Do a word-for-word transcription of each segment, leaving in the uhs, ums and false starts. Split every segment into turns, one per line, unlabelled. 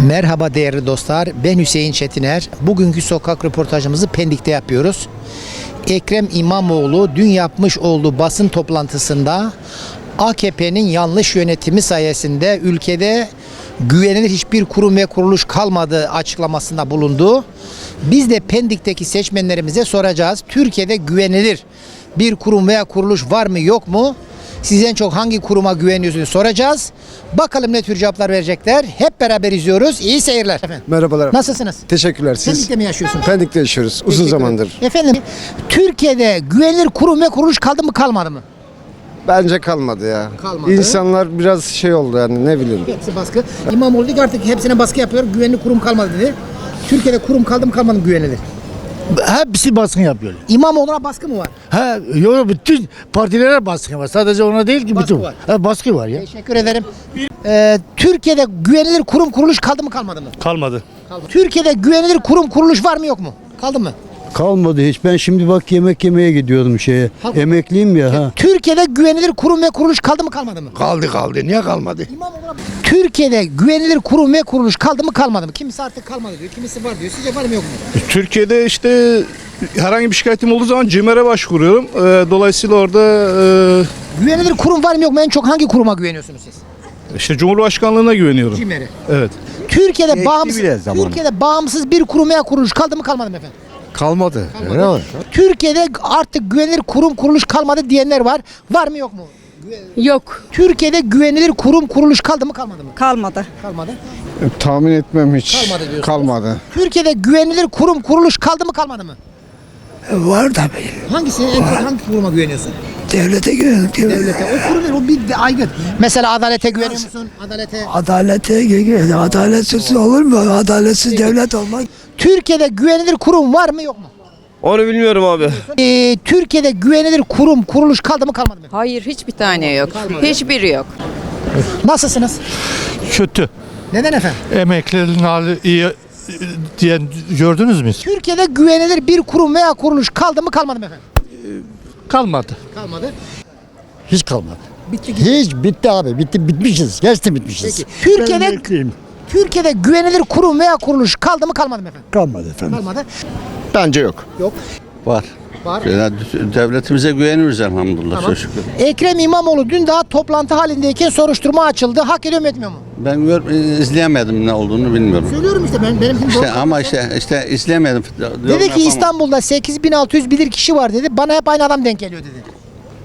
Merhaba değerli dostlar, ben Hüseyin Çetiner. Bugünkü sokak röportajımızı Pendik'te yapıyoruz. Ekrem İmamoğlu dün yapmış olduğu basın toplantısında A K P'nin yanlış yönetimi sayesinde ülkede güvenilir hiçbir kurum ve kuruluş kalmadığı açıklamasında bulundu. Biz de Pendik'teki seçmenlerimize soracağız. Türkiye'de güvenilir bir kurum veya kuruluş var mı yok mu? Siz en çok hangi kuruma güveniyorsunuz soracağız. Bakalım ne tür cevaplar verecekler. Hep beraber izliyoruz. İyi seyirler. Efendim.
Merhabalar.
Nasılsınız?
Teşekkürler. Siz
Pendik'te mi yaşıyorsunuz?
Pendik'te yaşıyoruz. Uzun
Teşekkür
zamandır.
ederim. Efendim, Türkiye'de güvenilir kurum ve kuruluş kaldı mı kalmadı mı?
Bence kalmadı ya.
Kalmadı.
İnsanlar biraz şey oldu yani ne bileyim.
Hepsi baskı. İmamoğlu dedi ki artık hepsine baskı yapıyor. Güvenilir kurum kalmadı dedi. Türkiye'de kurum kaldı mı kalmadı mı güvenilir?
Hepsi baskın yapıyor.
İmamoğlu'na baskı mı var?
Ha, yok bütün partilere baskı var. Sadece ona değil ki
Baskı
bütün.
var.
Ha, baskı var ya.
Teşekkür ederim. Ee, Türkiye'de güvenilir kurum kuruluş kaldı mı kalmadı mı?
Kalmadı.
Kaldı. Türkiye'de güvenilir kurum kuruluş var mı yok mu? Kaldı mı?
Kalmadı hiç. Ben şimdi bak yemek yemeye gidiyordum şeye.
Kaldı.
Emekliyim ya ha.
Türkiye'de güvenilir kurum ve kuruluş kaldı mı kalmadı mı?
Kaldı kaldı. Niye kalmadı?
İmamoğlu'na- Türkiye'de güvenilir kurum ve kuruluş kaldı mı kalmadı mı? Kimisi artık kalmadı diyor, kimisi var diyor. Sizce var mı yok mu?
Türkiye'de işte herhangi bir şikayetim olduğu zaman CİMER'e başvuruyorum. Ee, dolayısıyla orada
Güvenilir kurum var mı yok mu? En çok hangi kuruma güveniyorsunuz siz?
e, işte Cumhurbaşkanlığına güveniyorum.
CİMER'e.
Evet.
Türkiye'de
Geçti
bağımsız
bile zamanı.
Türkiye'de bağımsız bir kurum veya kuruluş kaldı mı kalmadı mı efendim?
Kalmadı.
Kalmadı. Türkiye'de artık güvenilir kurum kuruluş kalmadı diyenler var. Var mı yok mu?
Yok,
Türkiye'de güvenilir kurum kuruluş kaldı mı kalmadı mı?
kalmadı.
Kalmadı.
Tahmin etmem hiç.
Kalmadı diyorsunuz.
Kalmadı.
Türkiye'de güvenilir kurum kuruluş kaldı mı kalmadı mı?
Var tabii.
Hangisi en çok hangi kuruma güveniyorsun?
Devlete güvenlik.
Devlete. O kurum değil, o bir de aygıt. Mesela adalete güveniyor musun? Adalete.
Adalete güvenlik. Adaletsiz olur mu? Adaletsiz devlet olmaz.
Türkiye'de güvenilir kurum var mı yok mu?
Onu bilmiyorum abi.
Ee, Türkiye'de güvenilir kurum kuruluş kaldı mı kalmadı mı?
Hayır, hiçbir tane yok. Hiçbiri yok.
Nasılsınız?
Kötü.
Neden efendim?
Emeklilerin hali iyi e, diyen gördünüz mü?
Türkiye'de güvenilir bir kurum veya kuruluş kaldı mı kalmadı mı efendim?
Kalmadı.
Kalmadı.
Hiç kalmadı.
Bitti gitti.
Hiç bitti abi. Bitti bitmişiz. Gerçekten bitmişiz.
Peki. Türkiye'de
emekliyim.
Türkiye'de güvenilir kurum veya kuruluş kaldı mı kalmadı mı efendim?
Kalmadı efendim.
Kalmadı.
Bence yok.
Yok.
Var.
Var.
Yani devletimize güveniyoruz elhamdülillah.
Tamam.
Çok şükür.
Ekrem İmamoğlu dün daha toplantı halindeyken soruşturma açıldı. Hak ediyor mu etmiyor mu?
Ben gör, izleyemedim ne olduğunu bilmiyorum.
Söylüyorum işte ben benim
İşte ama işte işte izleyemedim.
Dedi ki İstanbul'da sekiz bin altı yüz bilir kişi var dedi. Bana hep aynı adam denk geliyor dedi.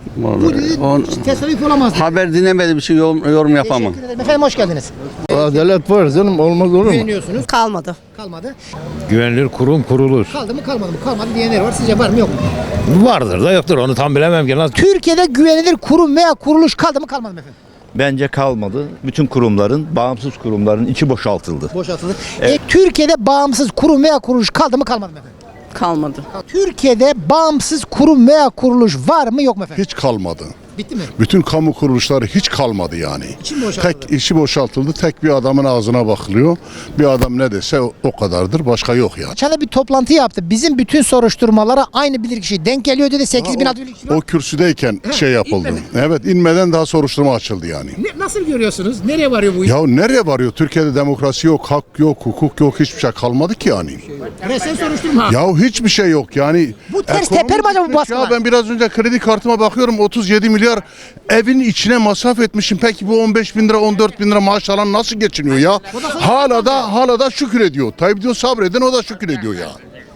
Bu dedi
On,
tesadüf olamaz dedi.
haber dinlemediğim bir şey yorum, yorum yapamam.
Teşekkür ederim. Efendim hoş geldiniz.
Adalet var canım. Olmaz olur mu?
Güveniyorsunuz.
Kalmadı.
Kalmadı.
Güvenilir kurum kurulur.
Kaldı mı kalmadı mı? Kalmadı diyenler var. Sizce var mı yok mu?
Vardır da yoktur. Onu tam bilemem ki. Nasıl?
Türkiye'de güvenilir kurum veya kuruluş kaldı mı kalmadı mı efendim?
Bence kalmadı. Bütün kurumların, bağımsız kurumların içi boşaltıldı.
Boşaltıldı. E, Türkiye'de bağımsız kurum veya kuruluş kaldı mı kalmadı mı efendim?
Kalmadı.
Türkiye'de bağımsız kurum veya kuruluş var mı yok mu efendim?
Hiç kalmadı.
Bitti mi?
Bütün kamu kuruluşları hiç kalmadı yani.
İçi mi boşaltıldı?
Tek işi boşaltıldı. Tek bir adamın ağzına bakılıyor. Bir adam ne dese o, o kadardır. Başka yok yani.
Geçen de bir toplantı yaptı. Bizim bütün soruşturmalara aynı bilirkişi denk geliyor dedi. sekiz bin altı yüz kişi var.
O kürsüdeyken
He,
şey yapıldı.
inmedi.
Evet, inmeden daha soruşturma açıldı yani.
Ne- nasıl görüyorsunuz? Nereye varıyor bu iş?
Ya nereye varıyor? Türkiye'de demokrasi yok, hak yok, hukuk yok, hiçbir şey kalmadı ki yani.
Resmen soruşturma.
Ya hiçbir şey yok yani.
Bu ters
Ekonomi
teper mi acaba bu
bitmiş
baskılar?
Ya ben biraz önce kredi kartıma bakıyorum otuz yedi milyar evin içine masraf etmişim. Peki bu on beş bin lira on dört bin lira maaş alan nasıl geçiniyor ya? Hala da hala da şükür ediyor. Tayyip diyor sabredin o da şükür ediyor ya.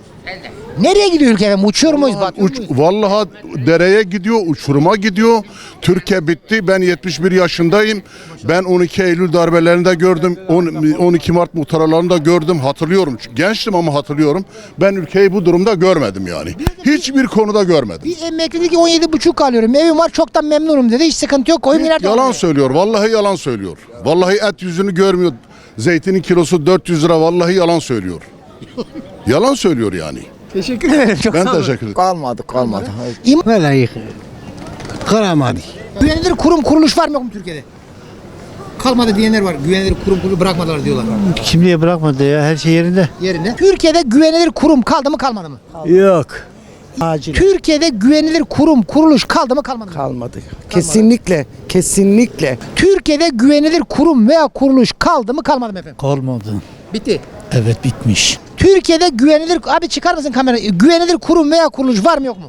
Nereye gidiyor ülke efendim? Uçuyor muyuz? Batıyor
Uç,
muyuz?
vallahi dereye gidiyor, uçuruma gidiyor. Türkiye bitti. Ben yetmiş bir yaşındayım. Ben on iki Eylül darbelerini de gördüm. on iki Mart muhtaralarını da gördüm. Hatırlıyorum. Gençtim ama hatırlıyorum. Ben ülkeyi bu durumda görmedim yani. Hiçbir konuda görmedim.
Bir emekli dedi ki on yedi buçuk alıyorum. Evim var çoktan memnunum dedi. Hiç sıkıntı yok. Koyun ileride.
Yalan söylüyor. Vallahi yalan söylüyor. Vallahi et yüzünü görmüyor. Zeytinin kilosu dört yüz lira. Vallahi yalan söylüyor. Yalan söylüyor yani.
Teşekkür ederim. Çok
Ben
sağ olun.
teşekkür ederim.
Kalmadı, kalmadı.
İm-
Vallahi kalamadı.
Güvenilir kurum kuruluş var mı yok mu Türkiye'de? Kalmadı diyenler var. Güvenilir kurum kuruluş bırakmadılar diyorlar.
Kimliğe bırakmadı ya. Her şey yerinde.
Yerine. Türkiye'de güvenilir kurum kaldı mı kalmadı mı?
Yok.
Acil.
Türkiye'de güvenilir kurum, kuruluş kaldı mı kalmadı mı?
Kalmadı. Kesinlikle. Kesinlikle.
Türkiye'de güvenilir kurum veya kuruluş kaldı mı kalmadı mı efendim?
Kalmadı.
Bitti.
Evet bitmiş.
Türkiye'de güvenilir, abi çıkar mısın kamerayı? Güvenilir kurum veya kuruluş var mı yok mu?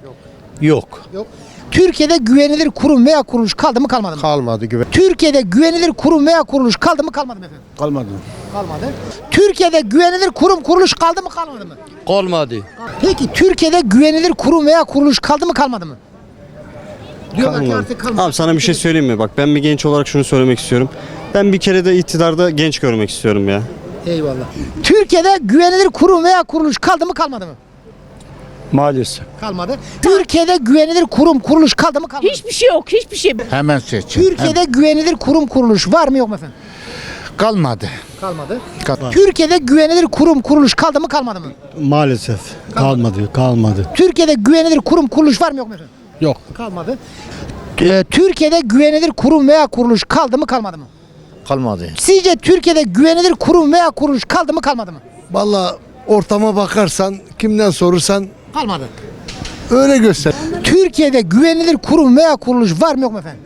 Yok.
Türkiye'de güvenilir kurum veya kuruluş kaldı mı kalmadı mı?
Kalmadı güven.
Türkiye'de güvenilir kurum veya kuruluş kaldı mı kalmadı mı efendim?
Kalmadı.
Kalmadı. Türkiye'de güvenilir kurum kuruluş kaldı mı kalmadı mı?
Kalmadı.
Peki Türkiye'de güvenilir kurum veya kuruluş kaldı mı kalmadı mı? Diyorlar ki artık kalmadı.
Abi sana bir şey söyleyeyim mi? Bak ben bir genç olarak şunu söylemek istiyorum. Ben bir kere de iktidarda genç görmek istiyorum ya.
Eyvallah. Türkiye'de güvenilir kurum veya kuruluş kaldı mı kalmadı mı?
Maalesef.
Kalmadı. Türkiye'de güvenilir kurum kuruluş kaldı mı kalmadı mı?
Hiçbir şey yok, hiçbir şey.
Hemen seç.
Türkiye'de güvenilir kurum kuruluş var mı yok mu efendim?
Kalmadı.
Kalmadı. Türkiye'de güvenilir kurum kuruluş kaldı mı kalmadı mı?
Maalesef kalmadı, kalmadı.
Türkiye'de güvenilir kurum kuruluş var mı yok mu efendim?
Yok.
Kalmadı. Ee, Türkiye'de güvenilir kurum veya kuruluş kaldı mı kalmadı mı?
Kalmadı.
Sizce Türkiye'de güvenilir kurum veya kuruluş kaldı mı kalmadı mı?
Vallahi ortama bakarsan, kimden sorursan
Kalmadı.
öyle göster.
Türkiye'de güvenilir kurum veya kuruluş var mı yok mu efendim?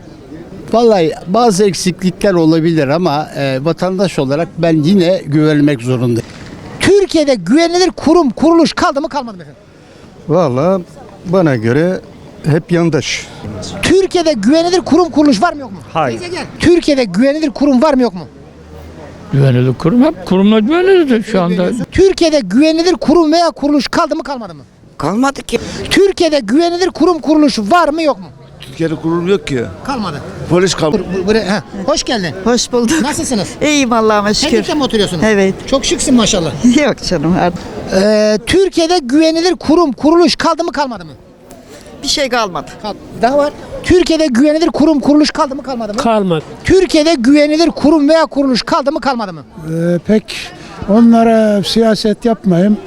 Vallahi bazı eksiklikler olabilir ama e, vatandaş olarak ben yine güvenmek zorundayım.
Türkiye'de güvenilir kurum kuruluş kaldı mı kalmadı mı efendim?
Vallahi bana göre hep yandaş.
Türkiye'de güvenilir kurum kuruluş var mı yok mu?
Hayır.
Teyze gel. Türkiye'de güvenilir kurum var mı yok mu?
Güvenilir kurum hep kurumla güvenilir şu anda.
Türkiye'de güvenilir kurum veya kuruluş kaldı mı kalmadı mı?
Kalmadı ki.
Türkiye'de güvenilir kurum kuruluş var mı yok mu?
Türkiye'de kurul yok ki.
Kalmadı.
Polis kalmadı.
Bur- bur- buraya- ha. Hoş geldin.
Hoş bulduk.
Nasılsınız?
İyiyim Allah'ıma şükür.
Pendik'te mi oturuyorsunuz?
Evet.
Çok şıksın maşallah.
Yok canım artık.
Ee, Türkiye'de güvenilir kurum kuruluş kaldı mı kalmadı mı?
Bir şey kalmadı.
Kal- Daha var. Türkiye'de güvenilir kurum kuruluş kaldı mı kalmadı mı?
Kalmadı.
Türkiye'de güvenilir kurum veya kuruluş kaldı mı kalmadı mı?
Ee, pek onlara siyaset yapmayayım.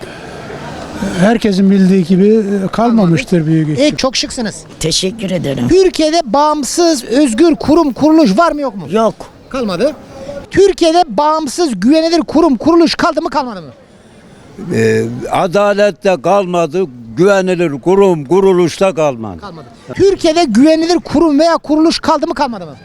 Herkesin bildiği gibi kalmamıştır büyük ihtimal.
E, çok şıksınız.
Teşekkür ederim.
Türkiye'de bağımsız özgür kurum kuruluş var mı yok mu?
Yok.
Kalmadı. Türkiye'de bağımsız güvenilir kurum kuruluş kaldı mı kalmadı mı?
Ee, adalette kalmadı, güvenilir kurum kuruluşta kalmadı.
Kalmadı. Türkiye'de güvenilir kurum veya kuruluş kaldı mı kalmadı mı?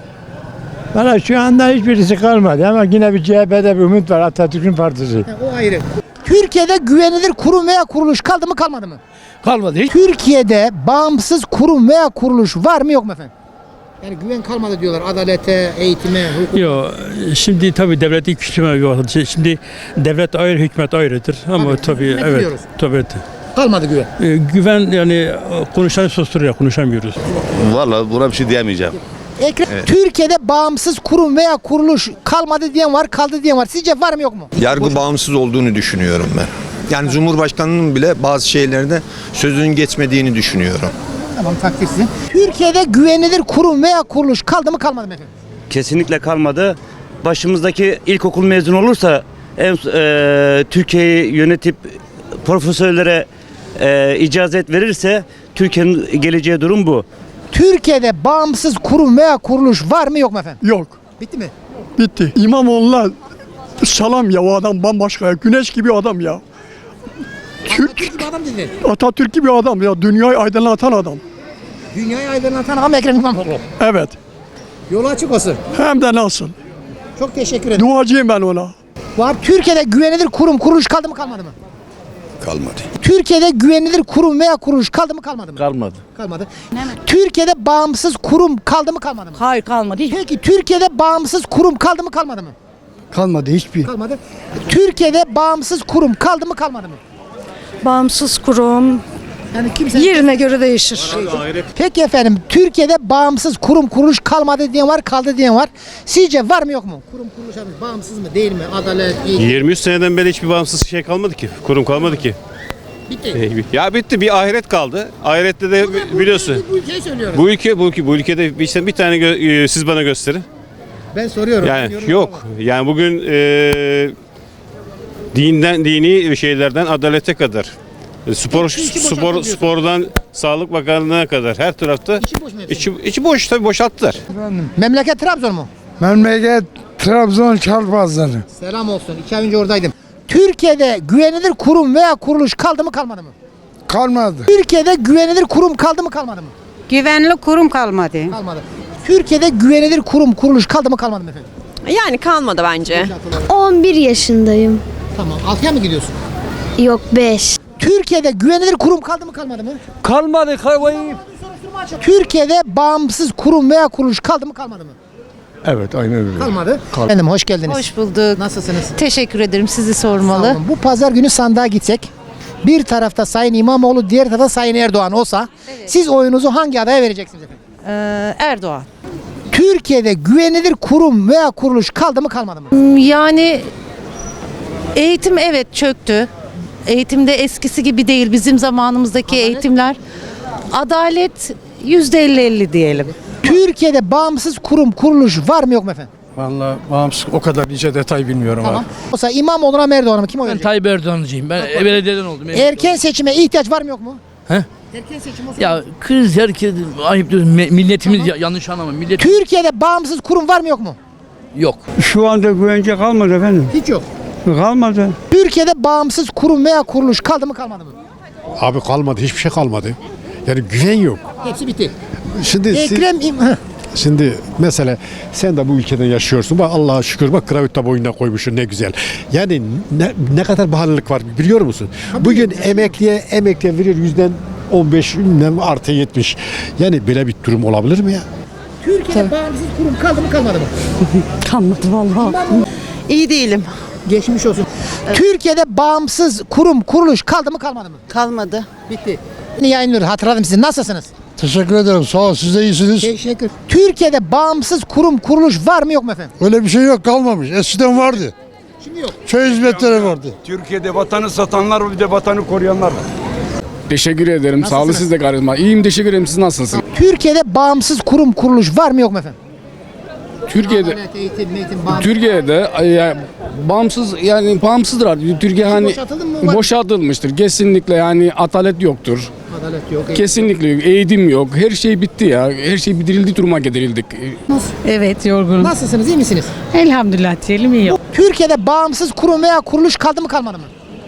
Valla şu anda hiçbirisi kalmadı ama yine bir C H P'de bir umut var, Atatürk'ün partisi.
Ha, o ayrı. Türkiye'de güvenilir kurum veya kuruluş kaldı mı kalmadı mı?
Kalmadı. Hiç.
Türkiye'de bağımsız kurum veya kuruluş var mı yok mu efendim? Yani güven kalmadı diyorlar adalete, eğitime, hukuka.
Yok. Şimdi tabii devleti küçülme yok. Şimdi devlet ayrı, hükümet ayrıdır. Ama
Tabii,
tabii,
hükümet
evet.
biliyoruz.
Tabii.
Kalmadı güven.
Ee, güven yani konuşanı susturuyor, konuşamıyoruz.
Vallahi buna bir şey diyemeyeceğim.
Ekrem, Türkiye'de bağımsız kurum veya kuruluş kalmadı diyen var, kaldı diyen var. Sizce var mı yok mu?
Yargı bağımsız olduğunu düşünüyorum ben. Yani Cumhurbaşkanı'nın bile bazı şeylerde sözünün geçmediğini düşünüyorum.
Tamam, takdir sizin. Türkiye'de güvenilir kurum veya kuruluş kaldı mı kalmadı mı efendim?
Kesinlikle kalmadı. Başımızdaki ilkokul mezunu olursa en, e, Türkiye'yi yönetip profesörlere e, icazet verirse Türkiye'nin geleceği durum bu.
Türkiye'de bağımsız kurum veya kuruluş var mı yok mu efendim?
Yok.
Bitti mi?
Bitti. İmamoğlu'na salam ya, o adam bambaşka ya. Güneş gibi adam ya. Türk,
Türk gibi adam dedi.
Atatürk gibi adam ya. Dünyayı aydınlatan adam.
Dünyayı aydınlatan adam Ekrem İmamoğlu.
Evet.
Yolu açık olsun.
Hem de nasıl.
Çok teşekkür ederim.
Duacıyım ben ona.
Var. Türkiye'de güvenilir kurum kuruluş kaldı mı kalmadı mı?
Kalmadı.
Türkiye'de güvenilir kurum veya kuruluş kaldı mı kalmadı mı?
Kalmadı.
Kalmadı. Türkiye'de bağımsız kurum kaldı mı kalmadı mı?
Hayır kalmadı. Hiç.
Peki Türkiye'de bağımsız kurum kaldı mı kalmadı mı?
Kalmadı hiçbir.
Kalmadı. Türkiye'de bağımsız kurum kaldı mı kalmadı mı?
Bağımsız kurum
Yani kimse...
yerine göre değişir.
Peki efendim, Türkiye'de bağımsız kurum kuruluş kalmadı diyen var, kaldı diyen var. Sizce var mı yok mu? Kurum kuruluş abi, bağımsız mı değil mi? Adalet, eğitim.
yirmi üç seneden beri hiçbir bağımsız şey kalmadı ki. Kurum kalmadı ki.
Bitti.
Ya bitti, bir ahiret kaldı. Ahirette de biliyorsun.
Bu ülkeyi söylüyorum.
Bu ülke bu ülke bu ülkede bir, bir tane gö- siz bana gösterin.
Ben soruyorum.
Yani
Bilmiyorum
yok.
ama.
Yani bugün e, dinden dini şeylerden adalete kadar. Spor
Hepsi içi boşaltıldı
spor
diyorsun.
spordan Sağlık Bakanlığı'na kadar her tarafta
İçi boş mu hepsi?
içi, içi boş tabii boşalttılar.
Memleket Trabzon mu?
Memleket Trabzon Çarpazları.
Selam olsun. İki ay önce oradaydım. Türkiye'de güvenilir kurum veya kuruluş kaldı mı kalmadı mı?
Kalmadı.
Türkiye'de güvenilir kurum kaldı mı kalmadı mı?
Güvenli kurum kalmadı.
Kalmadı. Türkiye'de güvenilir kurum kuruluş kaldı mı kalmadı mı efendim?
Yani kalmadı bence.
on bir yaşındayım.
Tamam. altıya mı gidiyorsun?
Yok beş.
Türkiye'de güvenilir kurum kaldı mı kalmadı mı?
Kalmadı. Kalmayı.
Türkiye'de bağımsız kurum veya kuruluş kaldı mı kalmadı mı?
Evet aynen öyle.
Kalmadı. Efendim hoş geldiniz.
Hoş bulduk.
Nasılsınız?
Teşekkür ederim. Sizi
Sağ
sormalı.
olun. Bu pazar günü sandığa gitsek bir tarafta Sayın İmamoğlu, diğer tarafta Sayın Erdoğan olsa siz oyunuzu hangi adaya vereceksiniz efendim?
Ee, Erdoğan.
Türkiye'de güvenilir kurum veya kuruluş kaldı mı kalmadı mı?
Yani eğitim evet çöktü. Eğitimde eskisi gibi değil. Bizim zamanımızdaki eğitimler. Adalet yüzde elli elli diyelim.
Türkiye'de bağımsız kurum kuruluş var mı yok mu efendim?
Vallahi bağımsız o kadar nice detay bilmiyorum
Tamam. Olsa İmamoğlu'na mı Erdoğan'a mı kim oy
Ben
verecek?
Tayyip Erdoğan'cıyım. Ben belediyeden oldum.
Erken seçime ihtiyaç var mı yok mu?
He?
Erken seçim olsa.
Ya kız herkes ayıp diyorsun. Me- Milletimiz ya- yanlış anlama. Millet
Türkiye'de bağımsız kurum var mı yok mu?
yok.
Şu anda güvence kalmadı efendim.
Hiç yok.
Kalmadı.
Türkiye'de bağımsız kurum veya kuruluş kaldı mı kalmadı mı?
Abi kalmadı. Hiçbir şey kalmadı. Yani güven yok.
Hepsi bitti.
Şimdi
Ekrem İm-
Şimdi mesela sen de bu ülkeden yaşıyorsun. Bak Allah'a şükür bak kravata boynuna koymuşsun ne güzel. Yani ne, ne kadar bahanılık var biliyor musun? Bugün emekliye emekliye verir yüzden on beş artı yetmiş. Yani böyle bir durum olabilir mi ya?
Türkiye'de bağımsız kurum kaldı mı kalmadı mı?
Kalmadı vallahi. İyi değilim.
Geçmiş olsun. Türkiye'de bağımsız kurum kuruluş kaldı mı kalmadı mı?
Kalmadı.
Bitti. Yayınlıyor hatırladım sizi. Nasılsınız?
Teşekkür ederim. Sağ ol. Siz de iyisiniz.
Teşekkür. Türkiye'de bağımsız kurum kuruluş var mı yok mu efendim?
Öyle bir şey yok kalmamış. Eskiden vardı.
Şimdi yok.
Köy hizmetleri vardı.
Türkiye'de vatanı satanlar var bir de vatanı koruyanlar var.
Teşekkür ederim.
Sağ olun, siz
de karizma. İyiyim teşekkür ederim. Siz nasılsınız?
Türkiye'de bağımsız kurum kuruluş var mı yok mu efendim?
Türkiye'de
Adalet, eğitim, eğitim, bağımsız.
Türkiye'de yani bağımsız yani bağımsızdır artık. Türkiye hani
boşaltıldı mı? Var.
boşaltılmıştır. Kesinlikle yani adalet yoktur.
Adalet yok. eğitim.
Kesinlikle yok. Eğitim yok. Her şey bitti ya. Her şey bitirildi duruma getirildik.
Evet yorgunum.
Nasılsınız? İyi misiniz?
Elhamdülillah diyelim iyi.
Türkiye'de bağımsız kurum veya kuruluş kaldı mı kalmadı mı?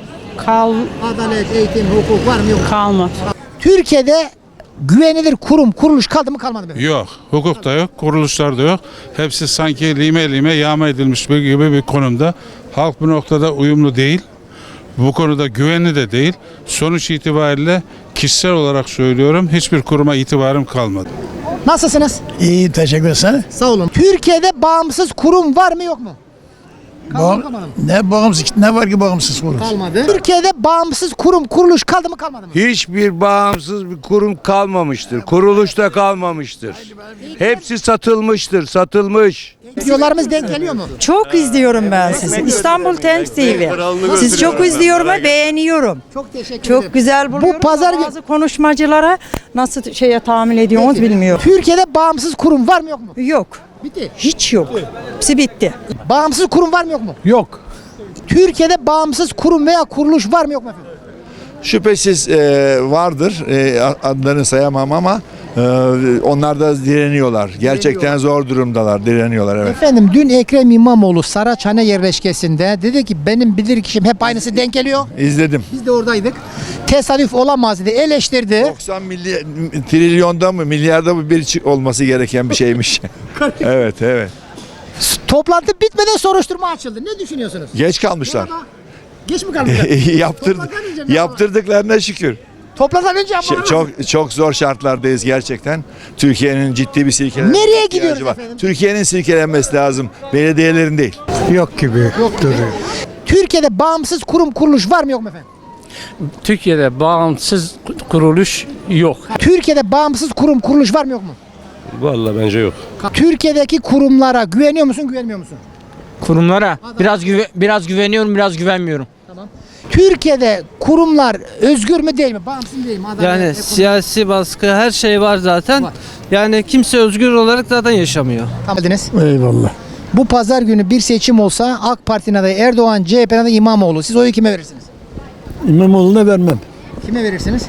Kal
Adalet, eğitim, hukuk var mı yok mu?
kalma.
Türkiye'de güvenilir kurum kuruluş kaldı mı kalmadı mı?
Yok. Hukuk da yok. Kuruluşlar da yok. Hepsi sanki lime lime yağma edilmiş bir gibi bir konumda. Halk bu noktada uyumlu değil. Bu konuda güvenli de değil. Sonuç itibariyle kişisel olarak söylüyorum hiçbir kuruma itibarım kalmadı.
Nasılsınız?
İyi teşekkür ederim.
Sağ olun. Türkiye'de bağımsız kurum var mı yok mu? Kaldı mı kalmadı mı?
Ne bağımsız ne var ki bağımsız kurum?
Kalmadı. Türkiye'de bağımsız kurum kuruluş kaldı mı kalmadı mı?
Hiçbir bağımsız bir kurum kalmamıştır. Kuruluş da kalmamıştır. Hepsi satılmıştır, satılmış.
Videolarımız denk geliyor mu?
Çok izliyorum ben sizi. İstanbul Times T V. Siz çok izliyorum ve beğeniyorum.
Çok teşekkür ederim.
Çok güzel buluyorum.
Bu pazar
ama
günü
bazı konuşmacılara nasıl şeye tahammül ediyorsunuz bilmiyorum.
Türkiye'de bağımsız kurum var mı yok mu?
Yok.
Bitti.
Hiç yok. Hepsi bitti.
Bağımsız kurum var mı yok mu?
Yok.
Türkiye'de bağımsız kurum veya kuruluş var mı yok mu efendim?
Şüphesiz e, vardır. E, adlarını sayamam ama e, onlar da direniyorlar. Gerçekten zor durumdalar. Direniyorlar evet.
Efendim dün Ekrem İmamoğlu Saraçhane yerleşkesinde dedi ki benim bilirkişim hep aynısı denk geliyor.
İzledim.
Biz de oradaydık. Tesadüf olamaz dedi. Eleştirdi.
doksan milyar, trilyonda mı milyarda mı bir çık- olması gereken bir şeymiş. evet evet.
Toplantı bitmeden soruşturma açıldı. Ne düşünüyorsunuz?
Geç kalmışlar.
Merhaba. Geç mi kaldılar?
Yaptır,
Toplantıdan önce mi?
yaptırdıklarına şükür.
Toplantıdan önce ama.
Ş- Çok çok zor şartlardayız gerçekten. Türkiye'nin ciddi bir silkelenmesi
Nereye
ihtiyacı
gidiyoruz
var.
efendim?
Türkiye'nin silkelenmesi lazım. Belediyelerin değil.
Yok gibi. Yok duruyor.
Türkiye'de bağımsız kurum kuruluş var mı yok mu efendim?
Türkiye'de bağımsız kuruluş yok.
Türkiye'de bağımsız kurum kuruluş var mı yok mu?
Vallahi bence yok.
Türkiye'deki kurumlara güveniyor musun, güvenmiyor musun?
Kurumlara biraz güve- biraz güveniyorum, biraz güvenmiyorum.
Türkiye'de kurumlar özgür mü değil mi? Bağımsız mı değil mi? Adalet,
Yani
ekonomi-
siyasi baskı her şey var zaten.
Var.
Yani kimse özgür olarak zaten yaşamıyor.
Tamam dediniz.
Eyvallah.
Bu pazar günü bir seçim olsa AK Parti'nin adayı Erdoğan, C H P'nin adayı İmamoğlu. Siz oyu kime verirsiniz?
İmamoğlu'na vermem.
Kime verirsiniz?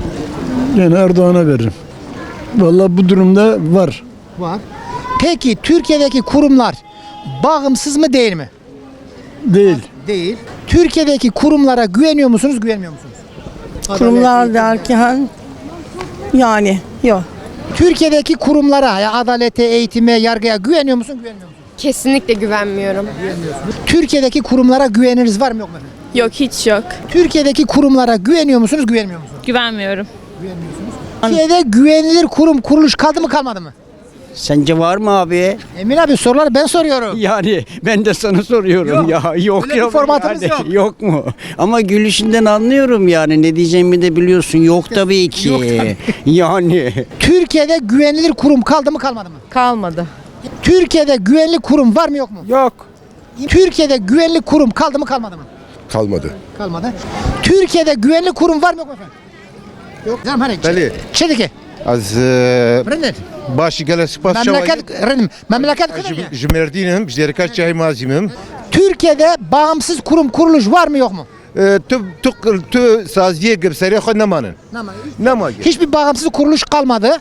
Yani Erdoğan'a veririm. Vallahi bu durumda var.
Var. Peki Türkiye'deki kurumlar bağımsız mı değil mi?
Değil.
Değil. Türkiye'deki kurumlara güveniyor musunuz, güvenmiyor musunuz?
Kurumlar derken yani yok.
Türkiye'deki kurumlara, ya adalete, eğitime, yargıya güveniyor musun, güvenmiyor musun?
Kesinlikle güvenmiyorum.
Türkiye'deki kurumlara güveniniz var mı yok mu efendim?
Yok, hiç yok.
Türkiye'deki kurumlara güveniyor musunuz, güvenmiyor musunuz?
Güvenmiyorum.
Türkiye'de güvenilir kurum, kuruluş kaldı mı kalmadı mı?
Sence var mı abi?
Emin abi soruları ben soruyorum.
Yani ben de sana soruyorum
Yok.
ya. Yok
Öyle bir
yok.
formatımız yok.
Yok mu? Ama gülüşünden anlıyorum yani. Ne diyeceğimi de biliyorsun. Yok tabii ki.
Yok tabii.
Yani.
Türkiye'de güvenilir kurum kaldı mı kalmadı mı?
Kalmadı.
Türkiye'de güvenlik kurum var mı yok mu?
Yok.
Türkiye'de güvenlik kurum kaldı mı kalmadı mı?
Kalmadı.
Kalmadı. Türkiye'de güvenlik kurum var mı yok mu efendim? Yok. Canım hani.
Beli.
Çedike.
Az
Brenner.
başı gelesi
Memleket, Renim, memleket kadar ya.
Jümerdinim, Jerikaç Cahimazimim.
Türkiye'de bağımsız kurum kuruluş var mı yok mu?
Tu tu tu saziye gibi seri namanın. Nama.
Hiçbir bağımsız kuruluş kalmadı.